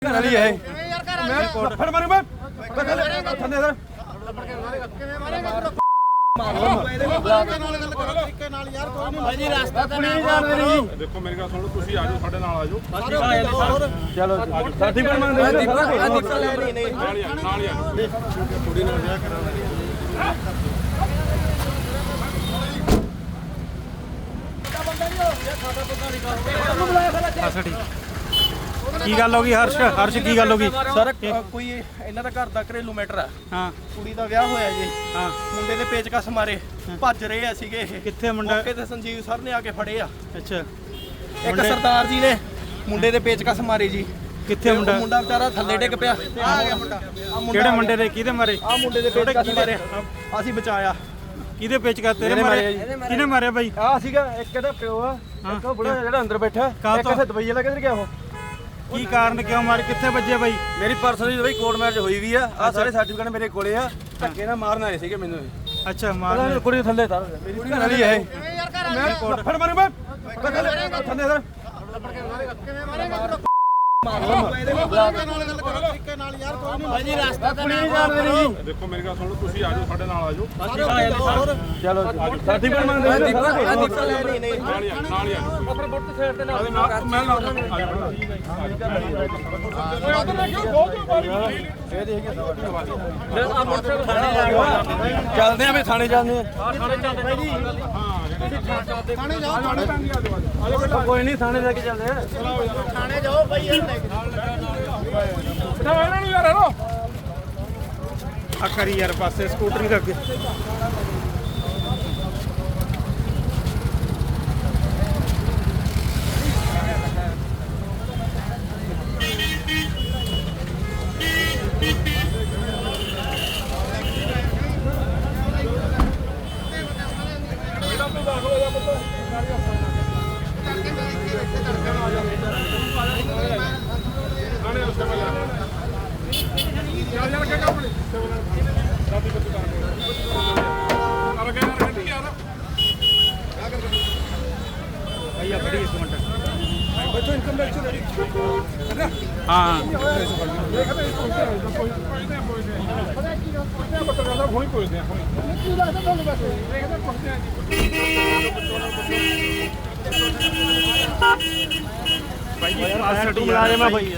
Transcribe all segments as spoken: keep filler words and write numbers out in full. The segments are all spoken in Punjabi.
ਵਾਲੀ ਹੈ ਮੈਂ ਫੜ ਮਾਰੂ ਮੈਂ ਥੱਲੇ ਸਰ ਭਾਜੀ ਰਸਤਾ ਤਾਂ ਨਹੀਂ ਜਾਣਦੇ ਨਹੀਂ। ਦੇਖੋ ਮੇਰੀ ਗੱਲ ਸੁਣੋ, ਤੁਸੀਂ ਆ ਜਾਓ ਸਾਡੇ ਨਾਲ ਆ ਜਾਓ। ਚਲੋ ਸਰਟੀਫਿਕੇਟ ਮੰਗਦੇ ਨੇ ਸਾਰਾ ਕੁਝ ਦਿੱਕਤ ਲੈ ਨਹੀਂ ਨਹੀਂ ਨਾਲ ਹੀ ਆ ਨਾਲ ਹੀ ਆ ਕੁੜੀ ਨਾਲ ਵਿਆਹ ਕਰਾਉਣਾ ਕੀ ਗੱਲ ਹੋ ਗਈ ਹਰਸ਼ ਹਰਸ਼ ਕੀ ਗੱਲ ਹੋ ਗਈ ਸਰ ਕੋਈ ਇਹਨਾਂ ਦਾ ਘਰ ਦਾ ਘਰੇਲੂ ਮੈਟਰ ਆ। ਹਾਂ ਕੁੜੀ ਦਾ ਵਿਆਹ ਹੋਇਆ ਜੀ, ਹਾਂ ਮੁੰਡੇ ਦੇ ਪੇਚਕਸ ਮਾਰੇ ਭੱਜ ਰਹੇ ਆ ਸੀਗੇ ਇਹ। ਕਿੱਥੇ ਮੁੰਡਾ ਮੌਕੇ ਤੇ ਸੰਜੀਵ ਸਰ ਨੇ ਆ ਕੇ ਫੜੇ ਆ। ਅੱਛਾ ਇੱਕ ਮੁੰਡੇ- ਸਰਦਾਰ ਜੀ ਨੇ ਮੁੰਡੇ ਦੇ ਪੇਚਕਸ ਮਾਰੇ ਜੀ। ਕਿੱਥੇ ਮੁੰਡਾ ਮੁੰਡਾ ਵਿਚਾਰਾ ਥੱਲੇ ਡਿੱਗ ਪਿਆ। ਆ ਗਿਆ ਮੁੰਡਾ। ਆਹ ਮੁੰਡਾ ਕਿਹੜੇ ਆ ਮੁੰਡੇ ਗਿਆ। ਦੇ ਕਿਹਦੇ ਮਾਰੇ ਆਹ ਮੁੰਡੇ ਦੇ ਪੇਚਕਸ ਮਾਰੇ ਅਸੀਂ ਬਚਾਇਆ। ਕਿਹਦੇ ਪੇਚਕਾ ਤੇਰੇ ਮੇਰੇ ਮਾਰੇ ਮਾਰੇ ਕਿਹਨੇ ਮਾਰਿਆ ਬਾਈ ਆ ਸੀਗਾ ਇੱਕ ਇਹਦਾ ਪਿਓ ਆ ਇੱਕ ਉਹ ਬੁੜਾ ਜਿਹੜਾ ਅੰਦਰ ਬੈਠਾ ਕਾਹ ਇੱਕ ਤੋਂ? ਇਸੇ ਦਵਾਈ ਵਾਲਾ ਕਿੱਧਰ ਗਿਆ ਉਹ ਕੀ ਕਾਰਨ ਕਿਉਂ ਮਾਰੇ ਕਿੱਥੇ ਵੱਜੇ ਬਾਈ ਮੇਰੀ ਪਰਸਨਲੀ ਬਈ ਕੋਰਟ ਮੈਰਿਜ ਹੋਈ ਵੀ ਆ ਆ ਸਾਰੇ ਸਰਟੀਫਿਕੇਟ ਮੇਰੇ ਕੋਲੇ ਆ ਧੱਕੇ ਨਾਲ ਮਾਰਨ ਆਏ ਸੀਗੇ ਮੈਨੂੰ ਇਹ। ਅੱਛਾ ਪਤਾ ਮਾਰ ਨੀ ਕੁੜੀ ਥੱਲੇ ਤਾਂ ਮੇਰੀ ਘਰ ਵਾਲੀ ਹੈ ਮੈਂ ਫੜ ਮਾਰੂ ਮੈਂ ਥੱਲੇ ਸਰ ਭਾਜੀ ਰਸਤਾ ਤਾਂ ਨਹੀਂ ਜਾਣਦੇ ਨਹੀਂ ਦੇਖੋ ਮੇਰੀ ਗੱਲ ਸੁਣੋ, ਤੁਸੀਂ ਆ ਜਾਓ ਸਾਡੇ ਨਾਲ ਆ ਜਾਓ। ਚਲੋ ਸਰਟੀਫਿਕੇਟ ਮੰਗਦੇ ਨੇ ਸਾਰਾ ਕੁਝ ਦਿੱਕਤ ਲੈ ਨਹੀਂ ਨਹੀਂ ਨਾਲ ਹੀ ਆ ਨਾਲ ਹੀ ਆ ਆਪਣੇ ਬੁੱਤ ਸਾਈਡ ਤੇ ਮੈਂ ਨਾਲ ਆ ਜਾਓ। ਚੱਲਦੇ ਆ ਵੀ ਥਾਣੇ ਜਾਂਦੇ ਆ ਕੋਈ ਨਹੀਂ ਥਾਣੇ ਲੈ ਕੇ ਚੱਲਦੇ ਆ ਥਾਣੇ ਜਾਓ ਭਾਈ ਯਾਰ ਲੈ ਕੇ ਇਹਨਾਂ ਨੂੰ ਯਾਰ ਇਹਨੂੰ ਆ ਕਰੀ ਯਾਰ ਪਾਸੇ ਸਕੂਟਰੀ ਦੇ ਅੱਗੇ ਭਈਆ ਬੜੀ ਇੱਕ ਮਿੰਟ ਬੱਚੋ ਇਨਕਮ ਟੈਕਸ ਹਾਂ ਹੁਣੀ ਪੁੱਛਦੇ ਆ ਹੁਣੀ ਬਾਈ ਜੀ ਤੂੰ ਮੁਲਾਜ਼ਮ ਆ ਬਾਈ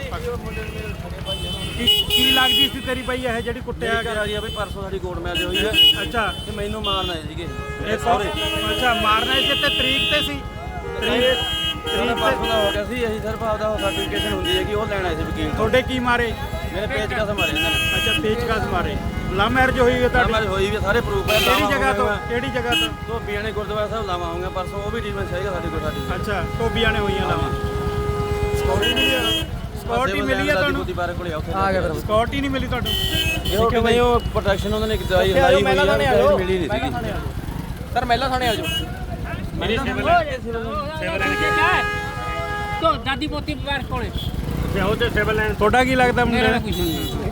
ਕੀ ਕੀ ਲੱਗਦੀ ਸੀ ਤੇਰੀ ਬਾਈ ਇਹ ਜਿਹੜੀ ਕੁੱਟਿਆ ਘਰ ਵਾਲੀ ਆ ਬਈ ਪਰਸੋਂ ਸਾਡੀ ਕੋਰਟ ਮੈਰਿਜ ਹੋਈ ਹੈ ਅੱਛਾ ਤੇ ਮੈਨੂੰ ਮਾਰਨ ਆਏ ਸੀਗੇ ਇਹ ਸਹੁਰੇ ਅੱਛਾ ਮਾਰਨਾ ਸੀ ਤੇ ਤਰੀਕ ਤੇ ਸੀ ਤਰੀਕ ਤੇਰਾ ਪਰਸੋਂ ਦਾ ਹੋ ਗਿਆ ਸੀ ਅਸੀਂ ਸਿਰਫ ਆਪਦਾ ਸਰਟੀਫਿਕੇਸ਼ਨ ਹੁੰਦੀ ਹੈ ਕਿ ਉਹ ਲੈਣ ਆਏ ਸੀ ਵਕੀਲ ਤੋਂ ਤੁਹਾਡੇ ਕੀ ਮਾਰੇ ਮੇਰੇ ਪੇਜ ਕਸ ਮਾਰੇ ਇਹਨਾਂ ਨੇ ਅੱਛਾ ਪੇਚਕਸ ਮਾਰੇ ਲਵ ਮੈਰਿਜ ਹੋਈ ਹੈ ਤੁਹਾਡੀ ਮੈਰਿਜ ਹੋਈ ਵੀ ਸਾਰੇ ਪ੍ਰੂਫ ਹੈ ਕਿਹੜੀ ਜਗ੍ਹਾ ਤੋਂ ਕਿਹੜੀ ਜਗ੍ਹਾ ਤੋਂ ਧੋਬੀਆਂ ਨੇ ਗੁਰਦੁਆਰਾ ਸਾਹਿਬ ਲਾਵਾਂ ਹੋਊਗਾ ਪਰਸੋਂ ਉਹ ਵੀ ਡੀਵੈਂਸ ਹੈਗਾ ਸਾਡੇ ਕੋਲ ਸਾਡੀ ਅੱਛਾ ਟੋਬੀਆਂ ਨੇ ਹੋਈਆਂ ਲਾਵਾਂ ਸਕਿਉਰਟੀ ਮਿਲੀ ਆ ਸਕਿਉਰਟੀ ਮਿਲੀ ਆ ਤੁਹਾਨੂੰ ਬਾਰੇ ਕੋਲੇ ਆ ਉੱਥੇ ਆ ਗਿਆ ਫਿਰ ਸਕਿਉਰਟੀ ਨਹੀਂ ਮਿਲੀ ਤੁਹਾਨੂੰ ਜੋ ਕਿ ਨਹੀਂ ਉਹ ਪ੍ਰੋਟੈਕਸ਼ਨ ਉਹਨਾਂ ਨੇ ਦਵਾਈ ਲਾਈ ਹੋਈ ਹੈ ਮਿਲੀ ਨਹੀਂ ਸੀਗੀ ਸਰ ਮਹਿਲਾ ਥਾਣੇ ਆ ਜਾਓ। ਮੇਰੇ ਸਿਵਲ ਸਿਵਲ तो दादी पोती बार कोले ਉਹ ਤੇ ਸਿਵਲ ਲੈਣ ਤੁਹਾਡਾ ਕੀ ਲੱਗਦਾ ਮੁੰਡੇ मेरा कुछ नहीं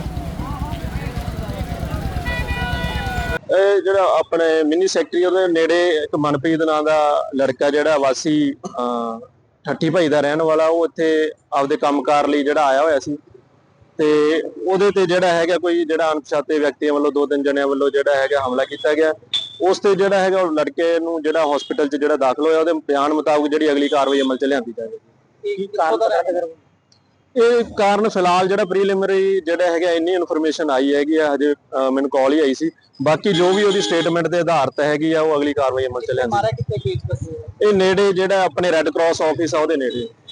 ਇਹ ਜਿਹੜਾ ਆਪਣੇ ਮਿੰਨੀ ਸੈਕਟਰੀ ਉਹਦੇ ਨੇੜੇ ਇੱਕ ਮਨਪ੍ਰੀਤ ਨਾਂ ਦਾ ਲੜਕਾ ਜਿਹੜਾ ਵਾਸੀ ਠੱਠੀ ਭਾਈ ਦਾ ਰਹਿਣ ਵਾਲਾ ਉਹ ਇੱਥੇ ਆਪਦੇ ਕੰਮਕਾਰ ਲਈ ਜਿਹੜਾ ਆਇਆ ਹੋਇਆ ਸੀ ਤੇ ਉਹਦੇ ਤੇ ਜਿਹੜਾ ਹੈਗਾ ਕੋਈ ਜਿਹੜਾ ਅਣਪਛਾਤੇ ਵਿਅਕਤੀਆਂ ਵੱਲੋਂ ਦੋ ਤਿੰਨ ਜਣਿਆਂ ਵੱਲੋਂ ਜਿਹੜਾ ਹੈਗਾ ਹਮਲਾ ਕੀਤਾ ਗਿਆ। ਉਸ ਤੇ ਜਿਹੜਾ ਹੈਗਾ ਉਹ ਲੜਕੇ ਨੂੰ ਜਿਹੜਾ ਹਸਪੀਟਲ 'ਚ ਜਿਹੜਾ ਦਾਖਲ ਹੋਇਆ ਉਹਦੇ ਬਿਆਨ ਮੁਤਾਬਕ ਜਿਹੜੀ ਅਗਲੀ ਕਾਰਵਾਈ ਅਮਲ 'ਚ ਲਿਆਂਦੀ ਜਾਵੇਗੀ। ਇਹ ਕਾਰਨ ਫਿਲਹਾਲ ਜਿਹੜਾ ਪ੍ਰੀਲਿਮਿਨਰੀ ਜਿਹੜਾ ਹੈਗਾ ਇੰਨੀ ਇਨਫੋਰਮੇਸ਼ਨ ਆਈ ਹੈਗੀ ਆ ਹਜੇ ਮੈਨੂੰ ਕਾਲ ਹੀ ਆਈ ਸੀ। ਬਾਕੀ ਜੋ ਵੀ ਉਹਦੀ ਸਟੇਟਮੈਂਟ ਦੇ ਆਧਾਰ ਤੇ ਹੈਗੀ ਆ ਉਹ ਅਗਲੀ ਕਾਰਵਾਈ ਅਮਲ 'ਚ ਲਿਆਂਦੀ। ਇਹ ਨੇੜੇ ਜਿਹੜਾ ਆਪਣੇ ਰੈੱਡ ਕਰਾਸ ਆਫਿਸ ਆ ਉਹਦੇ ਨੇੜੇ।